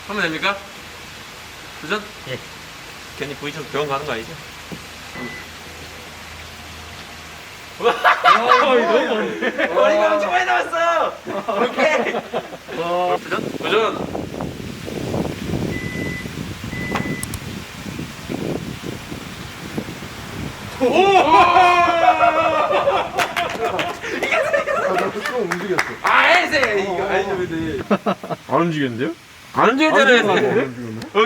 하면 됩니까? 도전? 예. 괜히 V처럼 병원 가는 거 아니죠? 머리가 엄청 많이 남았어! 오케이! 도전? 도전! 나도 좀 움직였어. 해세! 이거 아니죠, 근데. 안 움직였는데요? 안 움직였잖아요, 안 해세. 움직였네?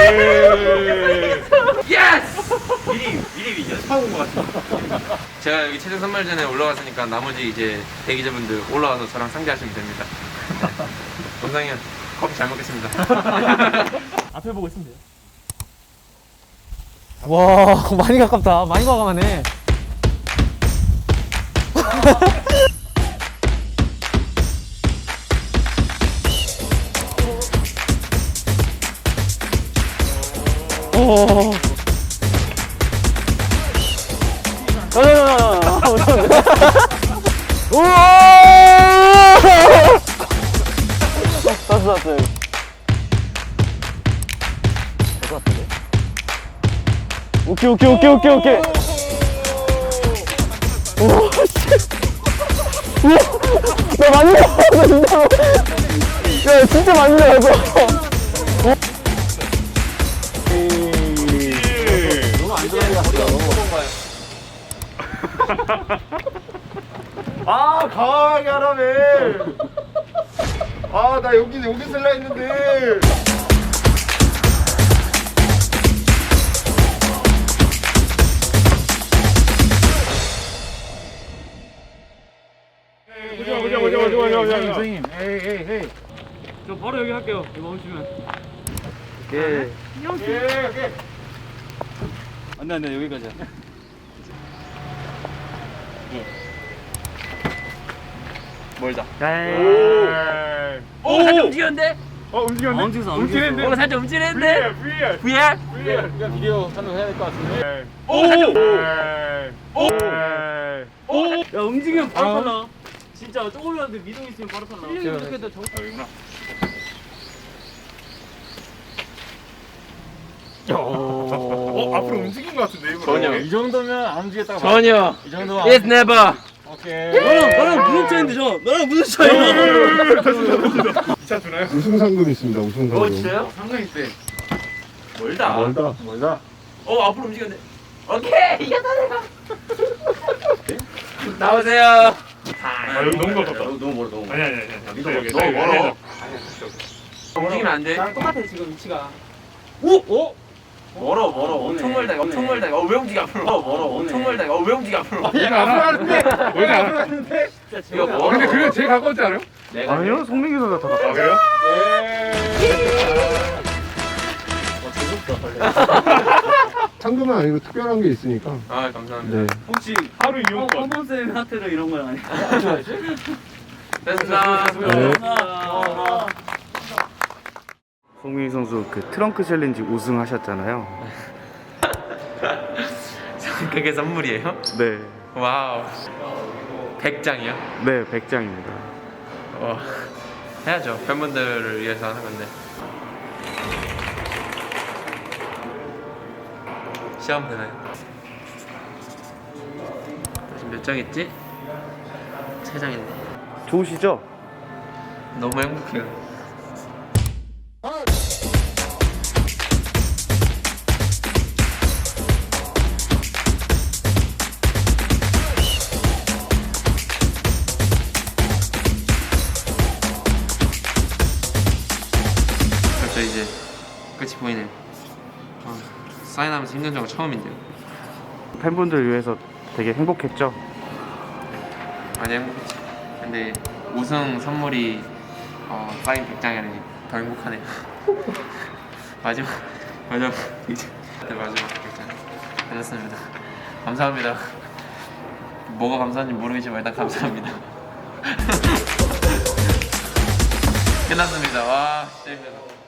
오케이! 예스! 미리 연습하고 것 같아. 제가 여기 최종 선발전에 올라왔으니까 나머지 이제 대기자분들 올라와서 저랑 상대하시면 됩니다. 원상이 형, 커피 잘 먹겠습니다. 앞에 보고 있으면 돼요. 와, 많이 가깝다. 많이 과감하네. 오. 우와! 땄어. 오케이. 우와, 씨. 우와, 나 많이 나왔어, 진짜로. 야, 진짜 많이 나왔어. 너무 안 좋아요. 아, 강하게 하라며. 아, 나 여기 쓸라 했는데. 보자. 선생님. 에이. 저 바로 여기 할게요. 이거 오시면. 오케이. 안돼 여기까지야. 멀다. 오, 살짝 움직였는데? 움직였네? 움직였는데? 오, 살짝 움직였는데? VR? 우리가 비디오 촬영해야 될 것 같은데. 오, 살짝. 야, 움직이면 바로 탈라. 진짜 조금이라도 미동 있으면 바로 탈라. 이렇게 해도 여기구나. 앞으로 움직인 것 같은데, 이거. 전혀. 이 정도면 안 움직였다가. 전혀. 이 정도면. It's never. 오케이. 너랑 무슨 차인데 너랑 무슨 차이야? 2차 주나요? 우승 상금 있습니다, 우승 상금. 진짜요? 상금 있대. 멀다. 멀다. 앞으로 움직였네. 오케이! 이겼다, 내가. 나오세요. 여기 너무 가깝다. 너무 멀어, 너무 멀어. 아니. 너무 멀어. 움직이면 안 돼. 똑같아 지금 위치가. 오! 멀어. 엄청 멀다. 왜 움직여, 앞으로? 엄청 멀다. 왜 움직여, 앞으로? 얘가 앞으로 가는데. 원래 앞으로 가는데. 이거 멀어. 근데 그게 제일 가까웠지 않아요? 내가 송민기 선수가 더 가까워. 아, 그래요? 상금은 아니고 특별한 게 있으니까. 아, 감사합니다. 혹시 하루 이용권. 헌본쌤한테도 이런 건 아니야? 됐습니다. 네. 송민기 선수 그 트렁크 챌린지 우승하셨잖아요. 그게 선물이에요? 네, 와우. 100장이요? 네 100장입니다. 해야죠. 팬분들을 위해서 하는 건데. 시험 되나요? 지금 몇 장했지? 3장했네. 좋으시죠? 너무 행복해요. 벌써 이제 끝이 보이네요. 사인하면서 힘든 적은 처음인데요. 팬분들 위해서 되게 행복했죠? 많이 행복했지. 근데 우승 선물이 사인 100장이라니 더 행복하네요. 마지막 이제 마지막 100장 끝났습니다. 감사합니다. 뭐가 감사한지 모르겠지만 일단 감사합니다. 끝났습니다. 와, 진짜 힘들다.